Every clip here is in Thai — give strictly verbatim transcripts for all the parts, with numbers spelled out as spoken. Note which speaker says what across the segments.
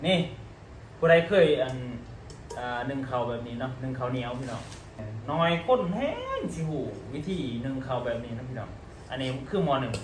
Speaker 1: นี่ผู้ใดเคยอันอ่านึ่งข้าวแบบนี้เนาะนึ่งข้าวเหนียวพี่น้องน้อยข้นแห้งสิหูวิธีนึ่งข้าวแบบนี้นะพี่น้องอันนี้คือมอหนึ่ง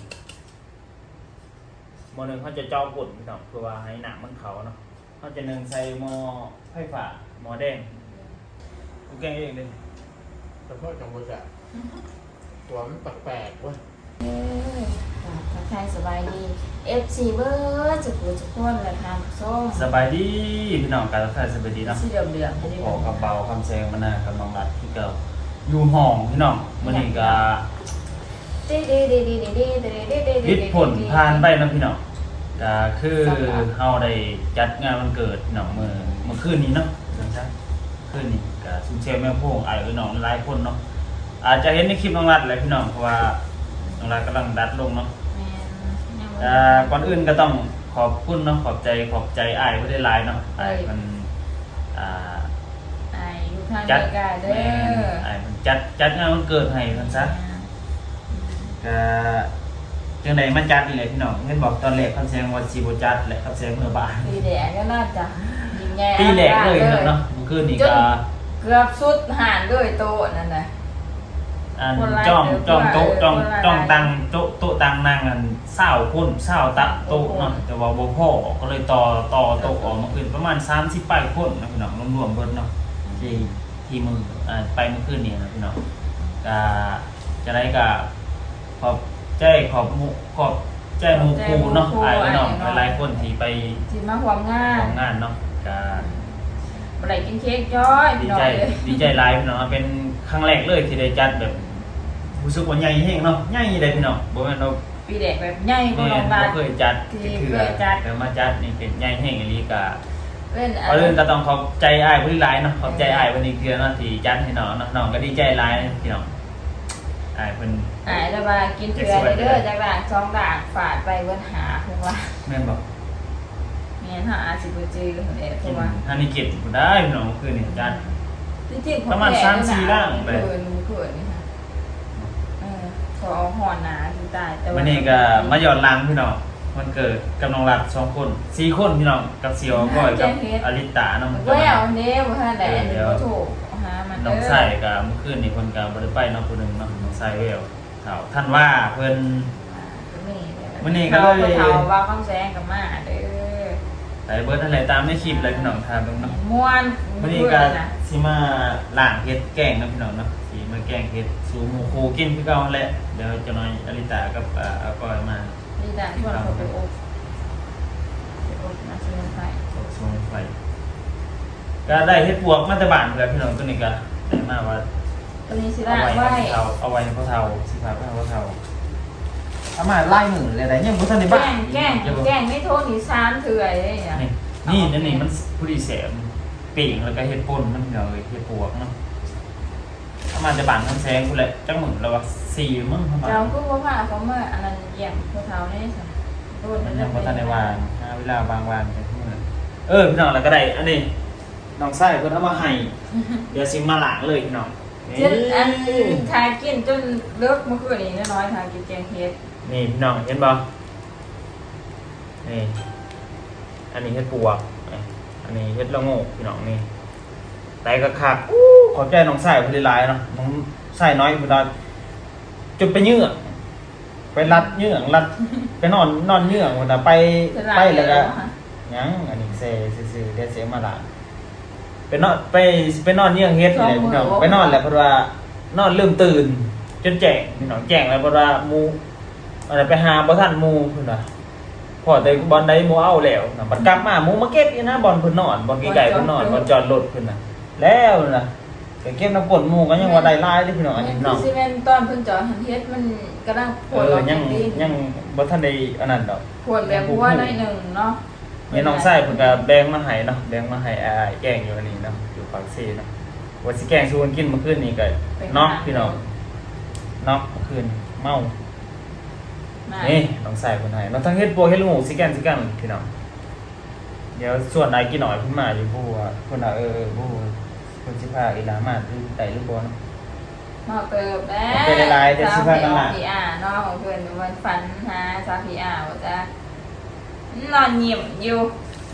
Speaker 1: มอหนึ่งเขาจะเจาะกดพี่น้องเพื่อว่าให้หนักมันเขาเนาะเขาจะนึ่งใส่หม้อไฟฟ้าหม้อแดงกูแกงเองเลย
Speaker 2: ขอโทษจังหวะตัวมันแปลกๆเว้ย
Speaker 3: เออทักทายสบายดี เอฟ ซี เบอร์จะกูจะพ้นและทานส้ม
Speaker 1: สบายดีพี่น้องการรักษาสบายดีเนาะ
Speaker 3: สีเหลืองเหลืองๆจะได้
Speaker 1: ขอกระเป๋าคำแซงมาหน้ากับน้องรัดที่เก่าอยู่ห้องพี่น้องมื้อนี้ก็
Speaker 3: ดีดีดีดีดีดีดีดีดี
Speaker 1: วิทย์ผลผ่านไปนะพี่น้องก็คือเฮาได้จัดงานวันเกิดพี่น้องมื้อเมื่อคืนนี้เนาะจังซั่นคืนนี้ก็ซุมเชลแม่โพงอ้ายเอ้ยน้องหลายคนเนาะอาจจะเห็นในคลิปน้องรัดแหละพี่น้องเพราะว่าน้องรัดกำลังดัดลงเนาะ
Speaker 3: แม่นยังบ่
Speaker 1: อ่าก่อนอื่นก็ต้องขอบคุณเนาะขอบใจขอบใจอ้ายผู้ได้หลายเนาะอ้ายมันอ่า
Speaker 3: ไอ้อยู่ทาง
Speaker 1: จั
Speaker 3: เม
Speaker 1: ด
Speaker 3: กาเด้
Speaker 1: แม่น
Speaker 3: อ
Speaker 1: อ้ายมันจัดจัดงานวันเกิดให้ซั่นซะ ก็จังใดมันจัดนี่แหละพี่น้องเห็นบอกตอนแรกคำแซงว่าสิบ่จัดแหละคำแซงเมื่อบ่าย
Speaker 3: ปีแดงก็น่าจะยิงแง่
Speaker 1: ปีแรกเลยเนาะเมื่อคืนนี้ก็
Speaker 3: เกือบสุดหานด้วยโต๊ะนั่นน่ะ
Speaker 1: อัน
Speaker 3: คนหลาย
Speaker 1: จ้อง
Speaker 3: เด้อ
Speaker 1: จ้องโต๊ะ
Speaker 3: คนหลาย
Speaker 1: จ้อง
Speaker 3: คนหลาย
Speaker 1: จ้องตังโต๊ะโต๊ะตังนั่งกันเศร้าคนเศร้าตะโต๊ะเนาะแต่ว่าบ่พอก็เลยต่อต่อโต๊ะออกมาคืนประมาณสามสิบปลายคนนะพี่น้องรวมๆเบิดเนาะที่ที่มืออ่าไปเมื่อคืนนี้นะพี่น้องก็จะได้ก็ขอบใจขอบหมู่ขอบใจหมู่ครูเนาะอ้ายพี่น้องหลายๆคนที่ไป
Speaker 3: ที่มาความงาน
Speaker 1: ของงานเนาะก็
Speaker 3: บ่ได้กินเค้กจ้อย
Speaker 1: ดี
Speaker 3: พี่น้อ
Speaker 1: ใจ
Speaker 3: งเลย
Speaker 1: ดีใจหลายพี่น้องเป็นครั้งแรกเลยที่ได้จัดแบบรู้สึกว่าใหญ่แฮงเนาะใหญ่เลยพี่น้องบ่แม่นเรา
Speaker 3: ปีแดกแบบใหญ่กว่า
Speaker 1: แม่
Speaker 3: น้อง
Speaker 1: บ่
Speaker 3: รัด
Speaker 1: เคยจัด
Speaker 3: ที่
Speaker 1: คือ
Speaker 3: เคยจัด
Speaker 1: แต่มาจัดนี่เป็นใหญ่แฮงอีหลีก็
Speaker 3: เล่น
Speaker 1: ก่อนอื่นก็ต้องขอบใจอ้ายผู้หลายเนาะขอบใจอ้ายเพิ่นอีกเทื่อเนาะที่จัดให้น้องเนาะน้องก็ดีใจหลายพี่น้องอ้ายเพิ่น
Speaker 3: หายแล้วมากินเถื่อเด้อจากด่างสองด่างฝาดไปเวินหาคงว่า
Speaker 1: แม่นบ่
Speaker 3: แม่นหาอาสิบ่จือเด้อค
Speaker 1: กิ
Speaker 3: ง
Speaker 1: น
Speaker 3: ว่า
Speaker 1: อันนี้เก็บบ่ได้พี่น้องคืนนี้จัด
Speaker 3: จริงๆ
Speaker 1: ประมาณสามสี่ร่างไป
Speaker 3: เขินเขินนี่ค่ะเออขอหอนหนาที่ตายแต่ว่า
Speaker 1: วันนี้ก็มาหยอดล้างพี่น้องวันเกิดกับน้องรัดสองคนสี่คนพี่น้องกับเสียวก้อยกับอลิตาน้อง
Speaker 3: ก็เอาเด้บ่ทันได้อันนี้บ่ถูกหามัน
Speaker 1: น้องใส่กับเมื่อคืนนี่คนกับบริไปน้องคนหนึ่งน้องน้องใส่เวลเถ่าท่านว่าเพิ่น มื้อนี้ก็เลย
Speaker 3: เฒ่าว่าคำแสงกับมาเด้อ
Speaker 1: ใส่เบิร์ดอะไรตามในคลิปเลยพี่น้องทานเบิ่งเนาะ
Speaker 3: ม่วน
Speaker 1: วันนี้ก็สิมาล้างเฮ็ดแกงนะพี่น้องเนาะสิมาแกงเฮ็ดสู่หมู่ครูกินคือเก่าแหละเดี๋ยวจะน้อยอลิตากับอ่าอาก้อยมา
Speaker 3: นี่ด่างชวนเขาไปอบไปอบมาซื้อไฟ
Speaker 1: สดสมไฟก็ได้เฮ็ดปวกมาแต่บ้านเพื่อนพี่น้องตัวนี้ก็ได้มาว่า
Speaker 3: ตัวนี้สิ
Speaker 1: เอา
Speaker 3: ล่าง
Speaker 1: ไว้
Speaker 3: ไว้
Speaker 1: ให้เขาเอาไว้ให้เขาเฒ่าสิพาไปให้เขาเฒ่าเอามาไล่มือเลยได้ยังบ่ทันได้บ้า
Speaker 3: แกงแกง
Speaker 1: จะบ่
Speaker 3: แกงไม่โทษนี่ซ้ำเถื่อยเลยเนี่ย
Speaker 1: นี่นี่นั่นนี่มันผู้ดีแสบปีกแล้วก็เฮ็ดป่นมันเดี๋ยวเฮ็ดปวกเนาะเอามาจะบานทั้งแซงกูแหละจังหมึงแล้วว่าสี่มึงเข้ามา
Speaker 3: เราก็ว่าผ้าเขาเมื่ออันนั้นเยี่ยมพวกเขาเนี่ยสิโดน
Speaker 1: มันยังบ่ทันได้วางหาเวลาวางวางไปเมื่อเออพี่น้องแล้วก็ได้อันนี้น้องไส้เพิ่นเอามาให้เดี๋ยวสิมาล้างเลยพี่น้อง
Speaker 3: จนอันทากินจนเลิกเมื่อคืนนี้น้อยๆทากินแกงเฮ็ด
Speaker 1: นี่พี่น้องเห็นบ่นี่อันนี้เฮ็ดปวกอันนี้เฮ็ดละโงกพี่น้องนี่ไตก็คักอู้ขอบใจน้องไส้เพิ่นหลายๆเนาะน้องไส้น้อยเพิ่นว่าจนไปเยื่อไปรัดเยื่อรัดไปนอนนอนเยื่อพุ่นน่ะไปไปแล้วก็ยังอันนี้เซซื่อๆเดี๋ยวเสียมาล้างไปนอนไปไปนอนเยื่อเฮ็ดนี่แหละพี่น้องไปนอนแล้วเพิ่นว่านอนลืมตื่นจนแจ้งพี่น้องแจ้งแล้วเพิ่นว่าหมู่อะไรไปหาบ่ทันหมู่เพิ่นว่าพอแต่บอลใดหมู่เอาแล้วน่ะบัดกลับมาหมู่มาเก็บอีนะบอลเพิ่นนอนบอลไกลๆเพิ่นนอนบอลจอดรถเพิ่นน่ะแล้วน่ะก็เก็บน้ำป่นหมู่ก็ยังว่าได้หลายเด้พี่น้องอันนี้พี่น้อง
Speaker 3: ซีเมนตอนเพิ่นจอดหันเฮ็ดมันกำลังผ
Speaker 1: เอ
Speaker 3: ล
Speaker 1: อยังยังบ่ทันได้อันนั้นดอก
Speaker 3: ผลแบบหัวหน่อยหนึ่งเนาะ
Speaker 1: นี่น้องไส้เพิ่นก็แบ่งมาให้เนาะแบ่งมาให้อ้ายแกงอยู่อันนี้เนาะอยู่ปากซีเนาะว่าสิแกงสู่กันกินเมื่อคืนนี้ก็น็อกพี่น้องน็อกเมื่อคืนเมานี่น้องไส้เพิ่นให้เนาะทั้งเฮ็ดปัวเฮ็ดลูกหมูสิแกงสิกันพี่น้องเดี๋ยวส่วนใดกินหน่อยเพิ่นมาอยู่ผู้ว่าเพิ่นน่ะเออผู้เพิ่นสิพาอีหลามาคือไดหรือบ่เนาะ
Speaker 3: นอกเติบแม่
Speaker 1: เป็นหลายๆเดี๋ยวสิพากันล่ะ
Speaker 3: พีอาร์นอกของเพิ่นมันฝันหาซาพีอาร์ว่าจะนอนยิ้มอยู่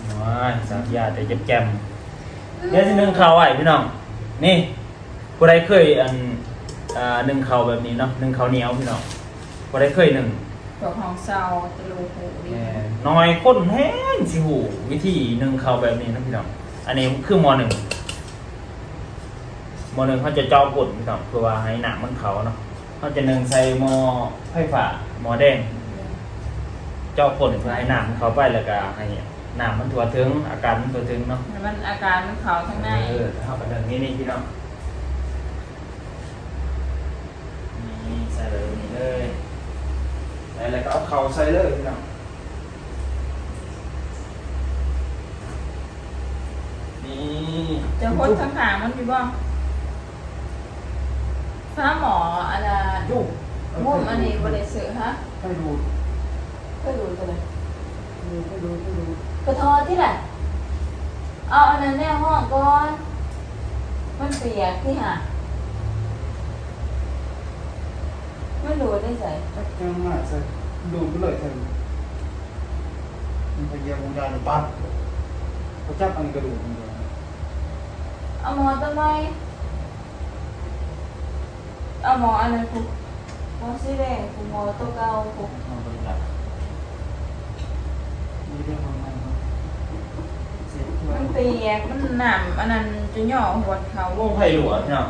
Speaker 1: น้อยสามยาแต่เจ็บๆเดี๋ยวสินึ่งข้าวไว้พี่น้องนี่ผู้ใดเคยอันอ่านึ่งข้าวแบบนี้เนาะนึ่งข้าวเหนียวพี่น้องผู้ใดเคยนึ่ง
Speaker 3: ตัวของเซาตะลูหูดี
Speaker 1: แหม่น้อยคนแห้งสิหูวิธีนึ่งข้าวแบบนี้นะพี่น้องอันนี้คือมหนึ่งมหนึ่งเขาจะเจาะปุ่นพี่น้องเพื่อว่าให้หนักมันเขาเนาะเขาจะนึ่งใส่หม้อไฟฟ้าหม้อแดงเจาะปุ่นเพื่อให้หนักมันเขาไปแล้วก็ให้หนักมันทั่วถึงอาการมันทั่วถึงเนาะ
Speaker 3: แล้วมันอาการมันเขาข้างใน
Speaker 1: เออเข้าไปทางนี้นี่พี่น้องนี่ใส่เลยนี่เลยแล้วก็เอาเข่าใส่เลยพี่น้องนี่
Speaker 3: จะพดข้างหางมันอยู่บ้างถ้าหมออะไร
Speaker 1: จุ๊บ
Speaker 3: มุมอันนี้บริสุทธิ์ฮะ
Speaker 1: ให้ดู
Speaker 3: ก็ดูตัวเลย
Speaker 1: ดูให้ดูให้ดู
Speaker 3: กระทอที่ไหนเอาอันนั้นแน่ห้องก่อน มันเปียกที่หาไม่รู้ได้ใส่
Speaker 1: จับจังมากใส่ดูไปเลยเถอะมันพยายามวงการปั๊บเขาจับอันกระดูกมันเลย
Speaker 3: เอาหมอต้นไม้เอาหมออันนั้นกูหมอสีแดงกูหมอตัวเก่ากู
Speaker 1: เอาไปจับนี่เรื่องของมันเนาะเสียที่ว่า
Speaker 3: มันเปียกมันหนำอันนั้นจะย่อหัวเขา
Speaker 1: วงไผ่หลวงเนาะ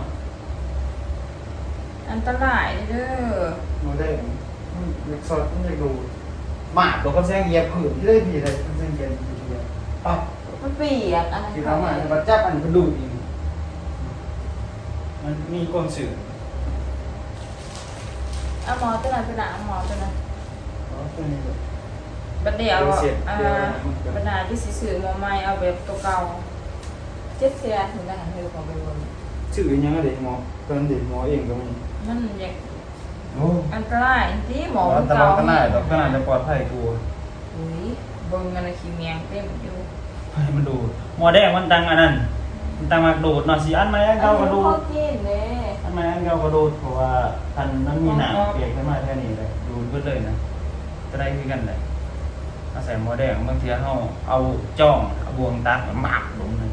Speaker 3: อันตรายเด้อ
Speaker 2: มาได้มันอยากสอดมันอยากดูหมาตัวก็แซงเหยียบผืนที่ได้ดีเลยมันแซงเหยียบอยู่ทีเดียวปั๊บ
Speaker 3: มันเปียกอันนั้น
Speaker 2: กิน
Speaker 3: เขา
Speaker 2: น้ำมัน
Speaker 1: มันจับอันกระดูกอีกมันมีก้นสื่อ
Speaker 3: เอาหมอตัวนั้นตัวนั้นเอาหมอตัวนั้น
Speaker 2: อ๋อตัวนี้เลย
Speaker 3: บัดเดียวอ่าบรรดาที่สิสื่อหมอใหม่เอาแบบตัวเก่าเจ็ดเสียถึงได้หันเธอของไปบน
Speaker 1: ชื่อยังไงเด็กหมอตอนเด็กหมอเองก็มี
Speaker 3: มันอยาก
Speaker 1: โอ้
Speaker 3: อันตรายที่หมอ
Speaker 1: ตลอดขนาดขนาดจะปลอดภัยกู
Speaker 3: อุ้ยเบิ่งอะไรขี้เมียงเต็มอยู่
Speaker 1: ให้มันดูหมอแดงมันตังอันนั้นมันตังมากระโดดเนาะสิอันไหมอันเก่ากระโด
Speaker 3: พอ
Speaker 1: ด
Speaker 3: กินเลย
Speaker 1: อันไหมอันเก่ากระโดดเพราะว่าทันนั้นมีหนังเปียกขึ้นมาแค่นี้เลยดูดเบิดเลยนะจะได้คือกันเลยอาศัยหมอแดงบางทีเขาเอาจ้องเอาบวงตักหมักลงเลย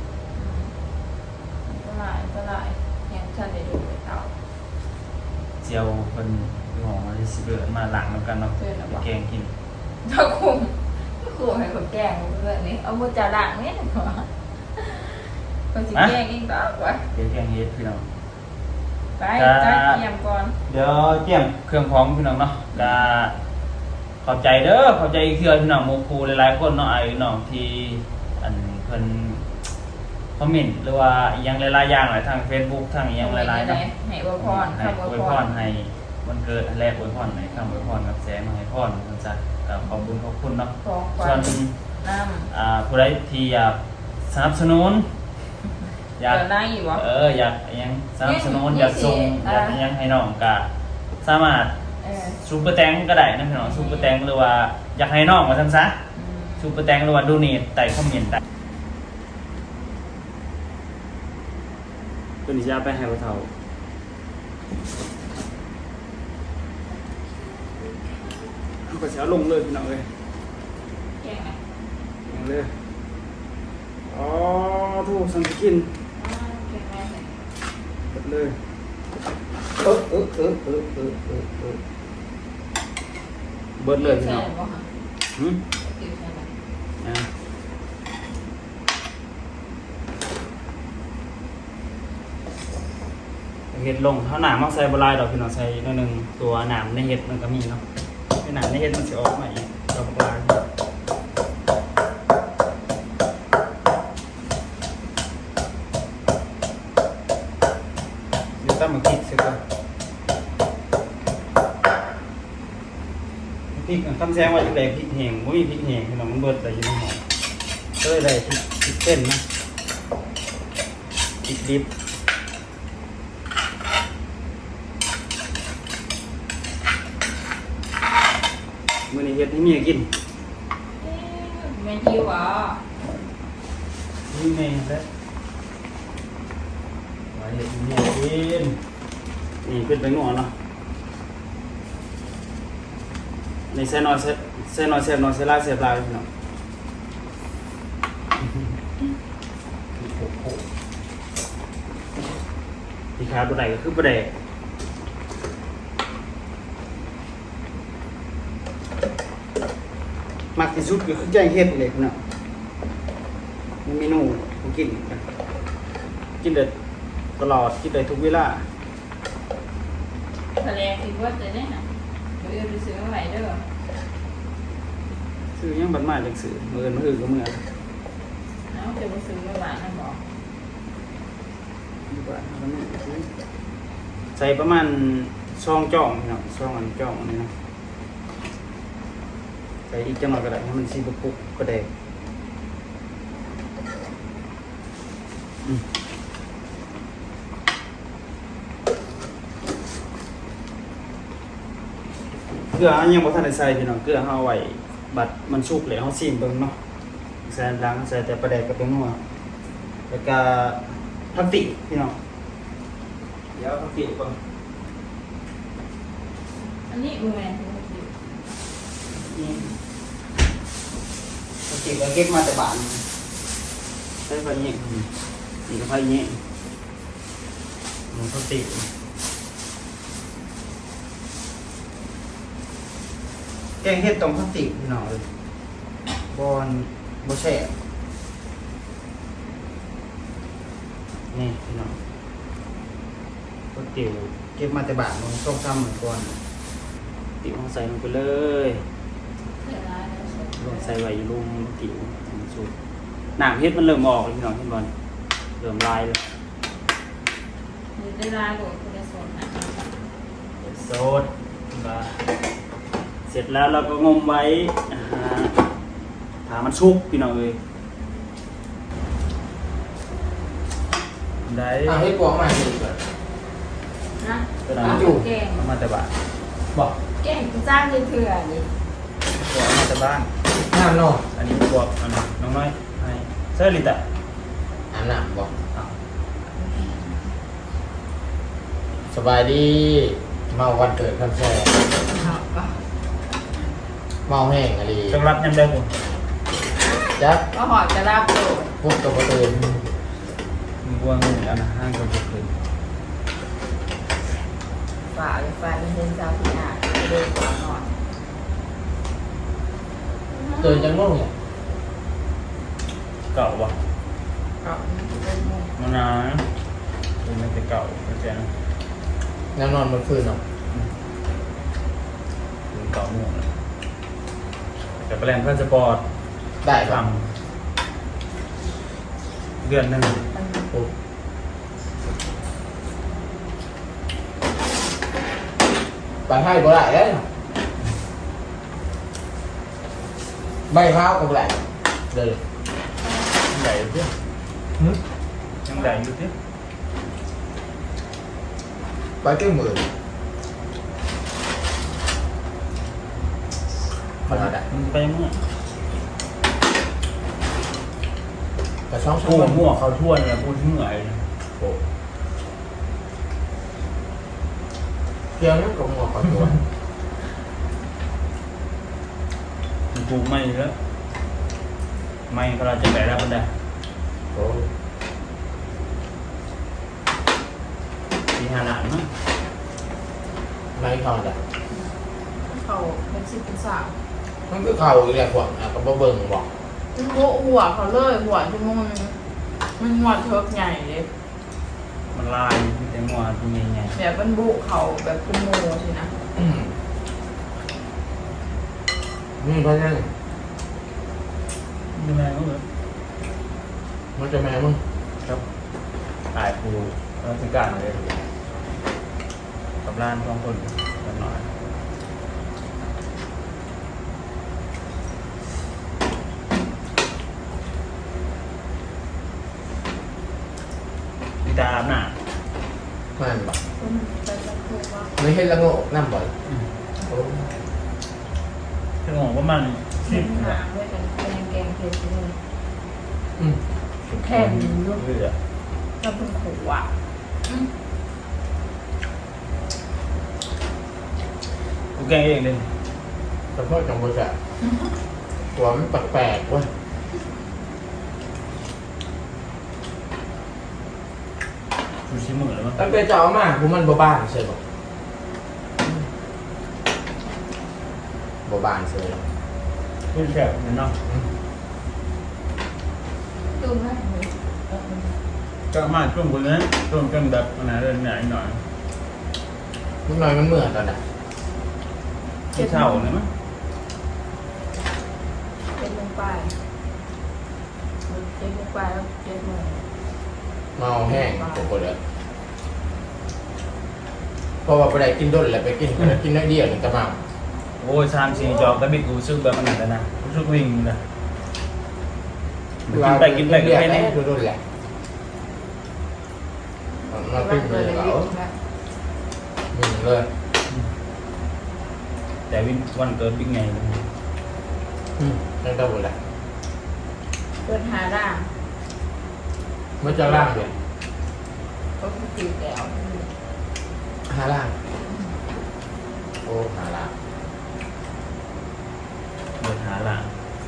Speaker 3: อันตรายอันตรายยังฉันได้ดูไปเต่า
Speaker 1: เจียวเป็นหอมมาที่สิเบิร์มาหลังแล้วกันเนาะไปแกงกิน
Speaker 3: เจ้าคุมคุมให้คนแกล้งเพื่อนนี่เอามือจ่าด่างเนี่ยก่อนคนสิแกล้งเองดอกวะ
Speaker 1: เดี๋ยวแกงเฮ็ดพี่น้อง
Speaker 3: ไปจัดเตรียมก่อน
Speaker 1: เดี๋ยวเตรียมเครื่องพร้อมพี่น้องเนาะก็ขอบใจเด้อขอบใจอีกเทื่อพี่น้องโมคูหลายๆคนเนาะไอ้พี่น้องที่อันเพิ่นคอมเมนต์หรือว่าอีหยังหลายๆอย่างหลายทาง Facebook ทางอีหยังหลายๆเนาะ
Speaker 3: ให้อวยพร
Speaker 1: ให้
Speaker 3: คำอ
Speaker 1: อ
Speaker 3: ว
Speaker 1: วย ย
Speaker 3: พ
Speaker 1: พ
Speaker 3: ร
Speaker 1: รให้วันเกิดแรกอวยพรให้คำอวยพรกับแสงมาให้พรมันซะก็ขอบคุณขอบคุณเนาะ
Speaker 3: ของขวั
Speaker 1: ส่ว
Speaker 3: ญ
Speaker 1: น
Speaker 3: น้
Speaker 1: อ่าผู้ใดที่อยากสนับสนุน
Speaker 3: ำ
Speaker 1: อยาก
Speaker 3: เดี๋ยวได้อยู่วะ
Speaker 1: เอออยากอิหยังสนับสนุน
Speaker 3: นี่
Speaker 1: อยากส่ง
Speaker 3: นี่สิ
Speaker 1: อยากอิหยังให้น้องก็สามารถ
Speaker 3: เออ
Speaker 1: ซูเปอร์แตงก็ได้นะพี่น้องซูเปอร์แตงหรือว่าอยากให้น้องมาซั่นซะ
Speaker 3: อืม
Speaker 1: ซูเปอร์แตงหรือว่าโดเนทใต้คอมเมนต์ได้ตัวนี้จะเอาไปให้บ่เฒ่าเอาก็สิเอาลงเลยพี่น้องเอ้ย
Speaker 3: แกงไหม
Speaker 1: ลงเลยอ๋อถูกสังกิน
Speaker 3: อ่าแกงไหม
Speaker 1: หมดเลยเออเออเออเออเออเออเออเบิดเลยพี่น้อง
Speaker 3: ใส่บ่คะ
Speaker 1: หืม
Speaker 3: ติวใส่ไหม
Speaker 1: อ่ะเห็ดลงเท่าหนามมักใส่บลายดอกพี่น้องใส่นิดนึงตัวหนามในเห็ดมันก็มีเนาะไอ้หนามในเห็ดมันจะออกมาอีกดอกบลายเดี๋ยวตั้งมาพริกเสร็จก่อนพริกคำแซงว่าจะได้พริกแห้งไม่มีพริกแห้งพี่น้องมันเบิดแต่อยู่ในหม้อก็เลยได้พริกพริกเต้นนะพริกดิบ มื้อนี้เฮ็ดให้เมียกิน
Speaker 3: เอ๊ะแม่นหิวอ่ะ
Speaker 1: นี่แม่แล้วไว้เฮ็ดให้เมียกินนี่เป็นไปงอนเนาะนี่ใส่น้อยใส่ใส่น้อยแซ่บน้อยใส่หลายแซ่บหลายพี่น้องขาดบ่ได้ก็คือบ่ได้
Speaker 2: มักที่สุดก็คือแกงเห็ดเลยเนาะมีเมนูผมกินกัน
Speaker 1: กินได้ตลอดกินได้ทุกเวลา
Speaker 3: ทะเลคิดว่าจะได้นะเดี๋ยวไปซื้อมาใหม่เด้อ
Speaker 1: ซื้อยังบัดมาจังซื้อมื้ออื่นมื้ออื่นก็มื้อ
Speaker 3: เอาจะไปซื้อมาใหม่นะบอก
Speaker 1: ดีกว่าเอาไปมื้อซื้อใส่ประมาณซองจ่องพี่น้องซองอันจ่องอันนี้นะใส่อีกจังหน่อยก็ได้ให้มันสิบ่ปุกก็ได้อืมเกลือยังบ่ทันได้ใส่พี่น้องเกลือเฮาไว้บัดมันสุกแล้วเฮาซิมเบิ่งเนาะใส่ล้างใส่แต่ปลาแดกกับเป็นนัวแล้วก็ผักติพี่น้องเดี๋ยวผักติก่อน
Speaker 3: อันนี้มือแมน
Speaker 1: นี่
Speaker 2: ปกติก็เก็บมาแต่บ้าน
Speaker 1: ใส่ไฟเงี้ยนี่ก็ไฟเงี้ยมันผักติ
Speaker 2: แกงเห็ดตรงพลาสติกพี่น้องเลยบอนบ่แช่
Speaker 1: นี่พี่น้องผักติ๋ว
Speaker 2: เก็บมาแต่บ้านมันต้องซ้ำเหมือนก่อน
Speaker 1: ติ๋วเอาใส่ลงไปเลย
Speaker 3: เสียดายแล้ว
Speaker 1: ลงใส่ไว้อยู่ลุมติ๋วสุกหนังเฮ็ดมันเริ่มออกแล้วพี่น้องเห็นบอลเริ่มลายเลย
Speaker 3: มีได้ลายโดดคุณจะสนนะ
Speaker 1: โซดมาเสร็จแล้วเราก็งมไว้อ่าถามันชุกพี่น้องเลยได้
Speaker 4: อ่ะให้ปวงมาสิก่อน
Speaker 3: นะ
Speaker 1: ก็ได้
Speaker 3: เอาแกง
Speaker 1: เอามาแต่บ้าน
Speaker 4: บอก
Speaker 3: แกงจ้างเถื่อนนี่
Speaker 1: เอามาแต่บ้าน
Speaker 4: น้ำนอน
Speaker 1: อันนี้บวกอันนี้น้องน้อยให้เซอร์ลิตะ
Speaker 4: อาบน้ำบอก
Speaker 1: อ้าว
Speaker 4: สบายดี เมาวันเกิดครับแซ่
Speaker 3: เอาปะ
Speaker 4: เมาแห้งอะไร
Speaker 1: จังรับยังได้ผม
Speaker 4: จัก
Speaker 3: ก็หอดจะรับโดด
Speaker 4: พวกตัวกระตือน
Speaker 1: มึงบวงนี่แล้วนะห้างกับบุกคืน
Speaker 3: ฝ่าหรือฝ่าเป็นเส้นซาพิอาเดินก่อนนอน
Speaker 4: ตื่นจังง่วงเนี่ย
Speaker 1: เก่าวะ
Speaker 3: ก็เป็นมุม
Speaker 1: มานานเป็นมันจะเก่าเข้าใจนะ
Speaker 4: น้ำนอนเมื่อคืนเนาะ
Speaker 1: ถึงเก่าหมดเลยแต่แปลงพาสปอร์ต
Speaker 4: ได้
Speaker 1: ท
Speaker 4: ปะ
Speaker 1: ำเดือนหนึ่ง
Speaker 4: ปุ๊บไปให้บ่ได้เลยใบพร้าวก็บ่ได้เลย
Speaker 1: ยังใหญ่อยู่เที่ย
Speaker 4: หึ
Speaker 1: ยังใหญ่อยู่เที่ย
Speaker 4: ไปเจ้าหมื่นพอได้
Speaker 1: มันไปเมื่อก
Speaker 4: ระช่องช่อ
Speaker 1: กู
Speaker 4: ง
Speaker 1: มั่วเขาทั่วเนี่ยกูที่เหนื่อย
Speaker 4: โอ้เกี่ยวนั่นกับหัวขอตัว
Speaker 1: กูไม่แล้วไม่ก็เราจะแบกได้บันได
Speaker 4: โอ้
Speaker 1: ทีหาหลานมั้ง
Speaker 4: ไม่ทอนอ่ะ
Speaker 3: เขาเป็นสิบเป็นสาว
Speaker 4: มันคือเข่าอีกแหละพวกอ่ะก็บ่เบิ่งบอก
Speaker 3: หัวหัวเขาเลยหัวที่มันมันหัวเทิกใหญ่เลย
Speaker 1: มันลายมีแต่งัวตัวใหญ่
Speaker 3: แบบมันบุเขาแบบเป็นโมสินะ
Speaker 4: อืมนี่เพราะฉะนั้น
Speaker 1: ๆยังไงก็แบบ
Speaker 4: มันจะแม่มึง
Speaker 1: ครับตายกูราชการเลยกับร้านสองคนกันหน่อยมีตาอาบน้
Speaker 4: มันบอก
Speaker 3: คุณไปจะพูดว่า
Speaker 4: ไม่เห็นละโง่น้ำบ่อย
Speaker 1: ำ
Speaker 4: โอ้
Speaker 1: ถึงบอกว่ามัน
Speaker 3: เส้นหางด้วยกันแกงแกงเผ็ดเลย
Speaker 4: อืม
Speaker 3: แค่นี้ลูก
Speaker 1: เรือ
Speaker 3: ก็เป็นขวอ่ะ
Speaker 1: กูแกงเองเลย
Speaker 4: แต่พ่อจังบ่จะหัวมันแปลกๆเว้ย
Speaker 1: มดูชิมือแล้วมั้ง
Speaker 4: ตั้งแต่เจ้าเอามากูมันบ่บ้านเฉยบ่บ่บ้านเฉย
Speaker 1: พูดแฉะเนาะ
Speaker 3: ดูไหม
Speaker 1: ก็มาช่วงคนนั้นช่วงกันแบบขนาดเดินไหนหน่อย
Speaker 4: นิดหน่อยมันเหมือนตอนน่ะ
Speaker 1: ที่เท่าเนี่ยมั้ง
Speaker 3: เจ็ดโมงไปเจ็ดโมงไปแล้วเจ็ดโมง
Speaker 4: เมาแห้งผมก็เลยเพราะว่าไปได้กินด้นแล้วไปกินไปกินได้เดียวนึงก็เมา
Speaker 1: โอ้ยสามสี่จอกแต่บิดกูซื้อแบบขนาดนั้นนะกูซื้อวิ่งเลยกินไปกินไปก็แค่นี้
Speaker 4: ด้นแหละมาขึ้นไปเลยเหรอมีเลย
Speaker 1: แต่วินวันเกิดบิ๊กไง
Speaker 4: อืมนั่นก็หมดแหละ
Speaker 3: เดินหาด่าง
Speaker 4: มันจะล่างเลย
Speaker 3: ก็คือตีแก้ว
Speaker 4: หาล่าง โอ้หาล่าง
Speaker 1: เดินหาล่าง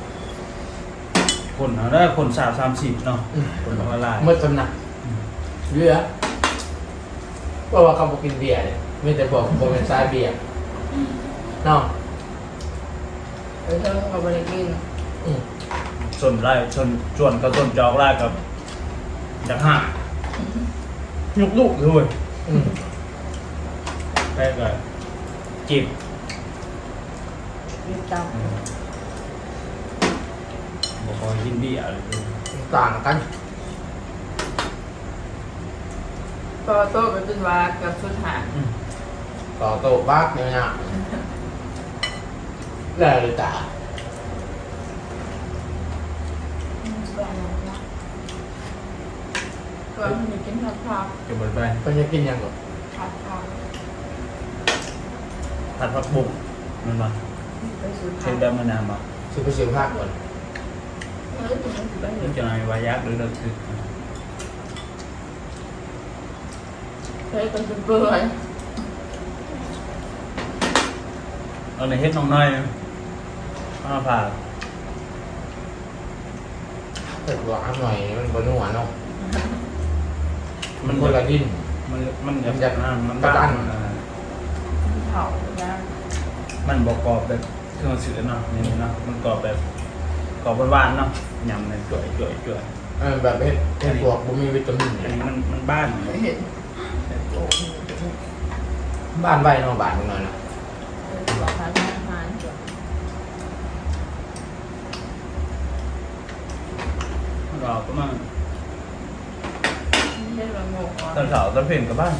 Speaker 1: คนเอาได้คนสามสามสิบเนาะคนละลาย
Speaker 4: เมื่อสำนักเรือเพราะว่าเขาบอกกินเบียร์เนี่ยไม่แต่บอกบอกเป็นสายเบียร์เนาะ
Speaker 3: เออเธอก็บริกิน
Speaker 4: อืม
Speaker 1: ชนไล่ชนชวนกับชนจอกไล่กับจักห้ายุกลูกเลย
Speaker 4: อืม
Speaker 1: แรกก็จีบ
Speaker 3: มีต
Speaker 1: บอกคอยยินดีอะไร
Speaker 4: ต่างกัน
Speaker 3: ำพอโต๊ะก็เป็นว่าเกับสุดหาง
Speaker 4: ต่อโต๊ะบ้าเนี่ยนะแล้วเลยตา
Speaker 3: ก็มีกินผัดผัก
Speaker 1: เก็บหมดไป
Speaker 4: เขาจะกินยังก่อน
Speaker 3: ผัดผัก
Speaker 1: ผัดผักบุ้งมันมา
Speaker 3: ไปสูตร
Speaker 1: เช่
Speaker 3: ผั
Speaker 1: น
Speaker 3: ก
Speaker 1: เดิมมานานมา
Speaker 4: ซื้อไปซื้อภาคก่อน
Speaker 3: เฮ้ยถึงมันไปเห็
Speaker 1: นี่
Speaker 3: น
Speaker 1: จะนายวายักหรือเลิกคือ
Speaker 3: เฮ้ยเป็นเปื่อย
Speaker 1: เอาในเฮ็ดน้องน้อยมาผ่า
Speaker 4: แต่หวานหน่อยมันบนหัวเนาะมันคนละดิน
Speaker 1: มันมัน
Speaker 4: มันจะ
Speaker 1: อ่ามัน
Speaker 4: กระด้าง
Speaker 1: อ่า
Speaker 3: เผาย่าง
Speaker 1: มันบอกกรอบแบบเครื่องสื่อเนาะนี่เนาะมันกรอบแบบกรอบหวานๆเนาะยำเลยจ่วยจ่วยจ่วย
Speaker 4: เออแบบเห็ดเห็ดบวกบุมีวิตามิน
Speaker 1: อัน
Speaker 4: เนี่ย
Speaker 1: นี้มันมันบ้าน
Speaker 3: ไม่เห็น
Speaker 4: บ้านใบเนาะบ้านมึงหน่อยนะ
Speaker 3: ตัวผัดอาหารจ้ะ
Speaker 1: มันกรอบก็มา
Speaker 3: ไม่ใช่ละงงอ่ะ
Speaker 1: ตอนเสาร์ตอนเพลนกับบ้าน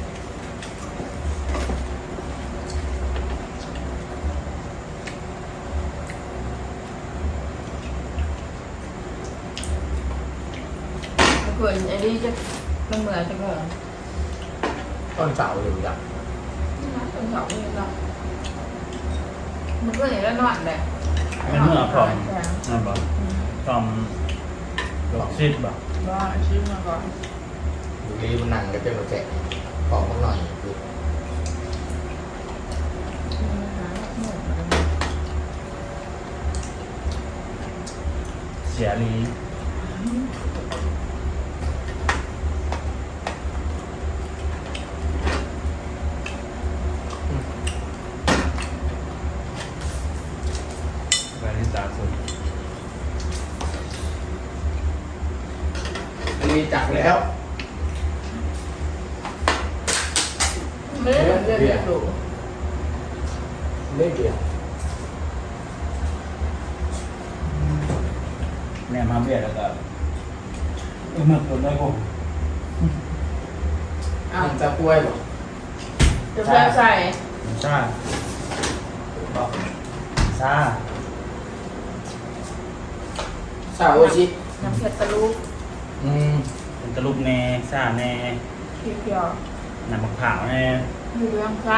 Speaker 3: เผื่อไอ้นี่จะมันเหมือนจะงง
Speaker 4: ต้นเสาอยู่จ้ะ
Speaker 3: ตอนเสาร์นี่เนาะมันก็อย่างนั้นนอนแหละ
Speaker 1: มันเมื่อพร้อมนั่นบ่พร้อมดอกซิดบ่
Speaker 3: ว่าชิมมาก่อน
Speaker 4: ดูดีมันนั่งก็เต็มกระแจขอมันหน่อยดู
Speaker 1: เสียรีไปที่ตาสุด
Speaker 4: มีจักแล้ว
Speaker 3: ไม่ได้เรียนดู
Speaker 4: เล่นเดียว
Speaker 1: แม่มาเบียดแล้วก็เออมันตัวน้อยกู
Speaker 3: อ้าว
Speaker 4: มันจะกล้วยบ่
Speaker 3: จะแปลใส่
Speaker 1: ซ่าบอกซ่า
Speaker 4: สาวโอชิ
Speaker 3: น้ำเผ็ดตะลุก
Speaker 4: อืม
Speaker 1: เป็นตะลุกแน่ซ่าแน่
Speaker 3: เขียว
Speaker 1: น้ำมะพร้าวแน่
Speaker 3: ๆมีเรื่องซ่า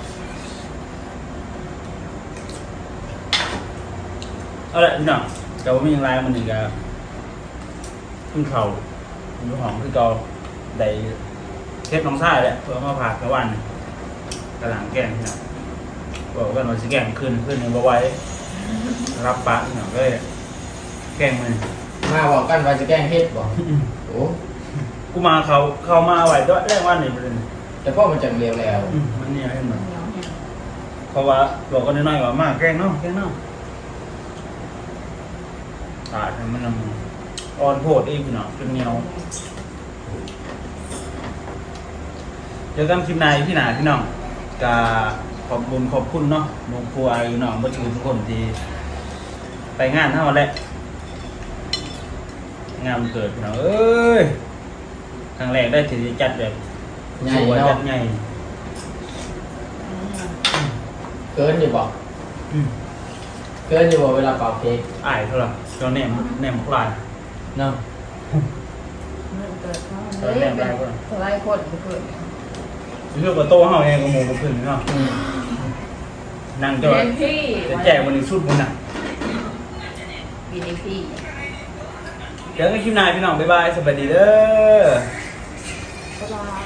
Speaker 1: เอาละพี่น้องแต่ว่ามีอย่างไรมันอีกอะขึ้นเขาอยู่ห้องคือเก่าได้เทปน้องซ่าแหละเพื่อมาผ่ากระวันกระหลังแกงพี่น้องบอกกันว่าสิแกงขึ้นขึ้นในบ่ไหว้รับปะพี่น้องก็เลยแกงมัน
Speaker 4: มาบอกกันว่าจะแกล้งเฮ็ดบ่โอ้
Speaker 1: พกูมาเขาเขามาไหวด้วยแรกว่านี่เป็น
Speaker 4: แต่พ่อมันจังเร็วแล้ว
Speaker 1: อืมมันเนี่ยเห็นไหม
Speaker 3: เหนียวแห้ง
Speaker 1: เพราะว่าบอกกันน้อยๆว่ามากแกล้งเนาะแกล้งเนาะตาดให้มันอ่อนโพดอีกพี่น้องจนเหนียวเจอกันคลิปหน้าพี่หนาพี่น้องกาขอบบุญขอบคุณเนาะหมู่ครูอายุน้องบ่ถือทุกคนที่ไปงานเท่าแหละงานวันเกิดพี่น้องเอ้ยครั้งแรกได้ถือจัดแบบ
Speaker 4: ใหญ่
Speaker 1: สวย
Speaker 4: เนาะ
Speaker 1: จัดใหญ่
Speaker 4: เกินอยู่บอก
Speaker 1: อืม
Speaker 4: เกินอยู่บอกเวลาเป่าเค้ก
Speaker 1: อ้ายเท่าไหร่เจ้าแหนมแหนมพลาย
Speaker 4: เนาะ
Speaker 3: มันเกิดเขาเลยเป็นอะไรคนเกิด
Speaker 1: เรื่องกับโต้เฮาเองกับหมูกับพึ่งเนาะ
Speaker 4: อืม
Speaker 1: นั่งจะ
Speaker 3: เด
Speaker 1: ว่า
Speaker 3: นพี่
Speaker 1: จะแจกวันนี้สุดมันน่ะ
Speaker 3: บีเดนพี่
Speaker 1: เจอกันคลิปหน้าพี่น้องบ๊ายบายสวัสดีเด้อ
Speaker 3: บ๊ายบาย